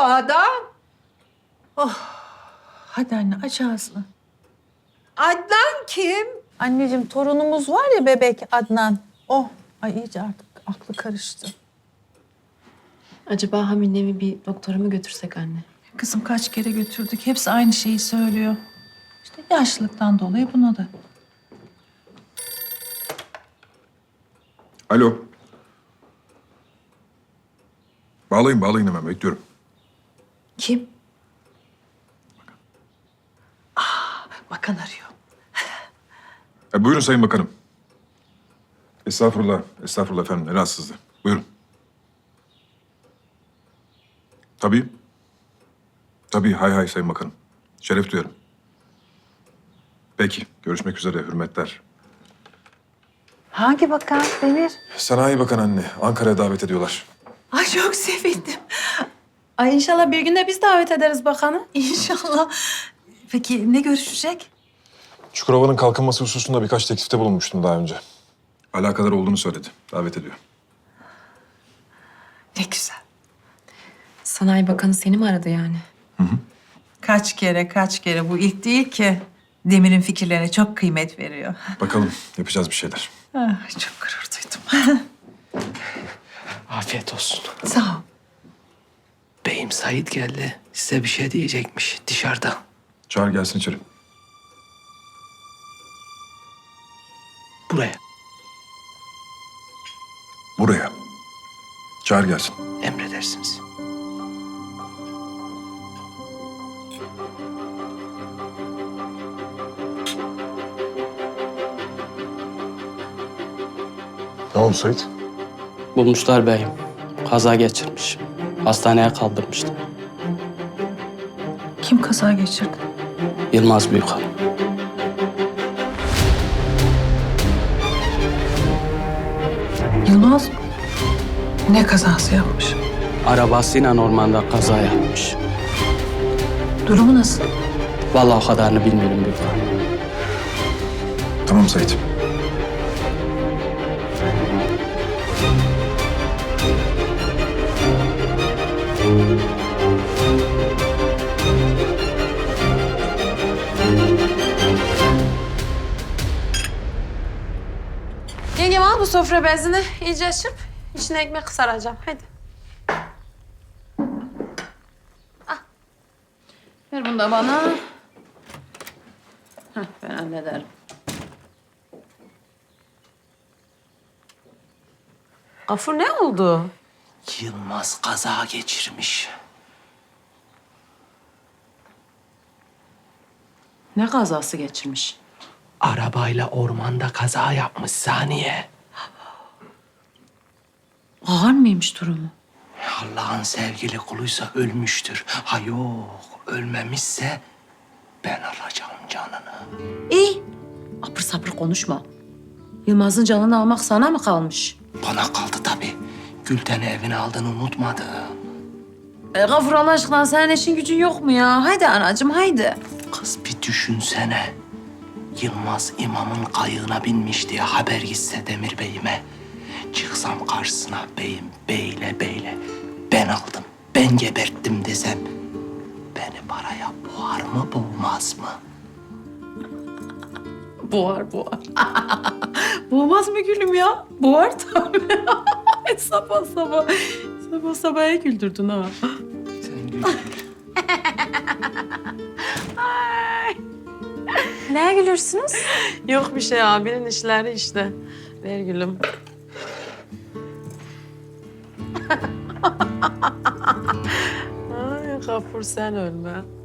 adam? Hadi anne aç ağzını. Adnan kim? Anneciğim torunumuz var ya bebek Adnan. Oh ay iyice artık aklı karıştı. Acaba Hamine'mi bir doktora mı götürsek anne? Kızım kaç kere götürdük. Hepsi aynı şeyi söylüyor. İşte yaşlılıktan dolayı buna da. Alo. Bağlayın hemen bekliyorum. Kim? Bakan arıyor. Buyurun Sayın Bakanım. Estağfurullah efendim. Ne rahatsızlığı. Buyurun. Tabii, hay Sayın Bakanım. Şeref duyarım. Peki, görüşmek üzere, hürmetler. Hangi bakan Demir? Sanayi Bakanı anne, Ankara'ya davet ediyorlar. Ay çok sevindim. Ay inşallah bir gün de biz davet ederiz bakanı. İnşallah. Peki ne görüşecek? Çukurova'nın kalkınması hususunda birkaç teklifte bulunmuştum daha önce. Alakadar olduğunu söyledi, davet ediyor. Ne güzel. Sanayi Bakanı seni mi aradı yani? Kaç kere bu ilk değil ki. Demir'in fikirlerine çok kıymet veriyor. Bakalım, yapacağız bir şeyler. Çok gurur duydum. Afiyet olsun. Sağ ol. Beyim Said geldi. Size bir şey diyecekmiş dışarıda. Çağır gelsin içeri. Buraya. Buraya. Çağır gelsin. Emredersiniz. Ne oldu Sait? Bulmuşlar beyim. Kaza geçirmiş. Hastaneye kaldırmıştı. Kim kaza geçirdi? Yılmaz Büyükhan. Yılmaz mı? Ne kazası yapmış? Arabasıyla ormanda kaza yapmış. Durumu nasıl? Vallahi o kadarını bilmiyorum Büyükhan. Tamam Sait. Yengem al bu sofra bezini. İyice çırp. İçine ekmek saracağım. Hadi. Al. Ver bunu da bana. Heh, ben hallederim. Gafur ne oldu? Yılmaz kaza geçirmiş. Ne kazası geçirmiş? Arabayla ormanda kaza yapmış Saniye. Ağır mıymış durumu? Allah'ın sevgili kuluysa ölmüştür. Ha yok, ölmemişse ben alacağım canını. İyi. Apır sapır konuşma. Yılmaz'ın canını almak sana mı kalmış? Bana kaldı tabii. Gülten'i evine aldığını unutmadı. Gafur Allah aşkına senin işin gücün yok mu ya? Haydi anacığım haydi. Kız bir düşünsene. Yılmaz imamın kayığına binmiş diye haber gitse Demir Bey'ime. Çıksam karşısına beyim beyle ben aldım, ben geberttim desem. Beni paraya boğar mı boğmaz mı? Boğar. Boğmaz mı gülüm ya? Boğar tabii. sabah sabah güldürdün ha. Sen gül. Neye gülürsünüz? Yok bir şey abinin işleri işte. Ver gülüm. Ay Gafur sen ölme.